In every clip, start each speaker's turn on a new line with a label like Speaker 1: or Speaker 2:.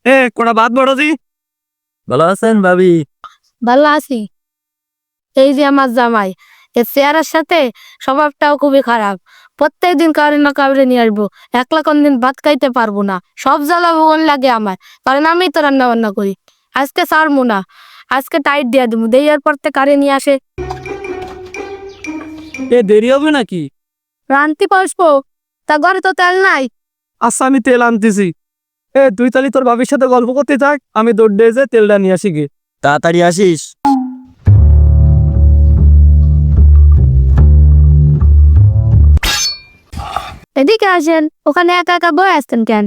Speaker 1: কোটা বাদ বড়জি।
Speaker 2: ভালো আছেন ভাবি?
Speaker 3: ভালো আছি। এই যে আমার জামাই, এর চেহারার সাথে স্বভাবটাও খুবই খারাপ। প্রত্যেকদিন কাউরে না কাউরে নিয়ে আসবো, একলা কোনদিন ভাত খাইতে পারবো না। সব জ্বালা ভোগন লাগে আমার, কারণ আমি তো রান্না বান্না করি। আজকে ছাড়বো না, আজকে টাইট দিয়া দেবো। দেওয়ার পর থেকে কারে নিয়ে আসে।
Speaker 1: দেরি হবে নাকি?
Speaker 3: রান্তি পারবো, তা ঘরে তো তেল নাই।
Speaker 1: আচ্ছা আমি তেল আনতেছি। তুই তাহলে তোর ভাবির সাথে গল্প করতে থাক, আমি দৌড় দিয়ে যে তেলটা নিয়ে আসি গে।
Speaker 2: তাড়াতাড়ি আসিস।
Speaker 3: এদিকে আসেন, ওখানে একা একা বয়ে আসতেন কেন?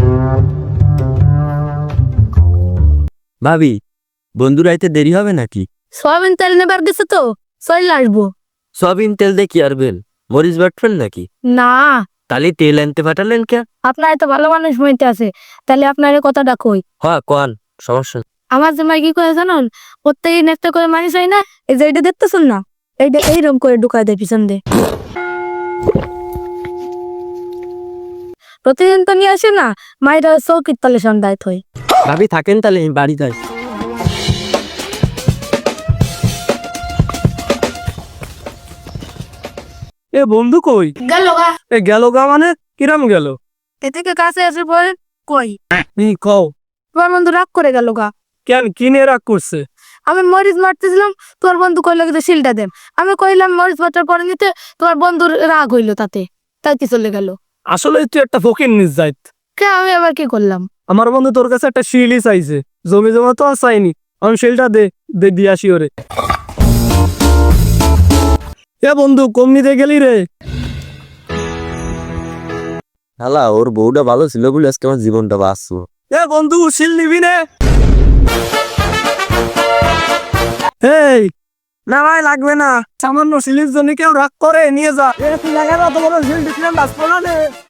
Speaker 2: ভাবি, বন্ধুরা আইতে দেরি হবে নাকি?
Speaker 3: সয়াবিন তেল নেবার গেছে তো, চলে আসবো।
Speaker 2: সয়াবিন তেল দিয়ে কি আর বেল, মরিচ বাটবেন নাকি?
Speaker 3: না,
Speaker 2: তাহলে তেল আনতে পাঠালেন কে?
Speaker 3: আপনার তো ভালো মানুষ হইতে আছে, তাহলে আপনার কথাটা কই।
Speaker 2: হ্যাঁ কোন সমস্যা নেই।
Speaker 3: আমার জামাই কি করে জানুন, প্রত্যেকদিন একটা করে মানুষ হয় না, এই যে এটা দেখতেছেন না, এইটা এইরকম করে ঢুকায় দেয় পিছন দিয়ে। প্রতিদিন তো নিয়ে আসে না, মায়েরা চৌকির তলে সন্ধ্যায় থই।
Speaker 2: ভাবি থাকেন তাহলে আমি বাড়ি যাই।
Speaker 1: বন্ধু কই?
Speaker 3: গেল গা,
Speaker 1: গেল গা মানে কিরাম গেল?
Speaker 3: এদিকে কাছে এসে পড়ে কই,
Speaker 1: কও।
Speaker 3: তোমার বন্ধু রাগ করে গেল গা।
Speaker 1: কেন, কি নিয়ে রাগ করছে?
Speaker 3: আমি মরিচ মারতেছিলাম, তোমার বন্ধু কইলো কিন্তু শিলটা দেন। আমি কইলাম মরিচ মারটার পরে নিতে, তোমার বন্ধুর রাগ হইলো তাতে, তাই কি চলে গেল।
Speaker 1: আসলে তুই একটা ফকির নিস যাইত।
Speaker 3: কে আমি আবার কি করলাম?
Speaker 1: আমার বন্ধু তোর কাছে একটা শিলই চাইছে, জমি জমা তো আর চাইনি। আমি শিলটা দে দে দিয়ে আসি ওরে। বন্ধু কমনি দিয়ে গেলি রে?
Speaker 2: হালা ওর বউটা ভালো ছিল বলে আজকে আমার জীবনটা বাঁচবো।
Speaker 1: বন্ধু শিল নিবি নে? এই না ভাই লাগবে না, সামান্য শিলের জন্য কেউ রাগ করে, নিয়ে যা। তুই লাগা না, তোমার শিল দিচ্ছিলাম বাঁচবো না রে।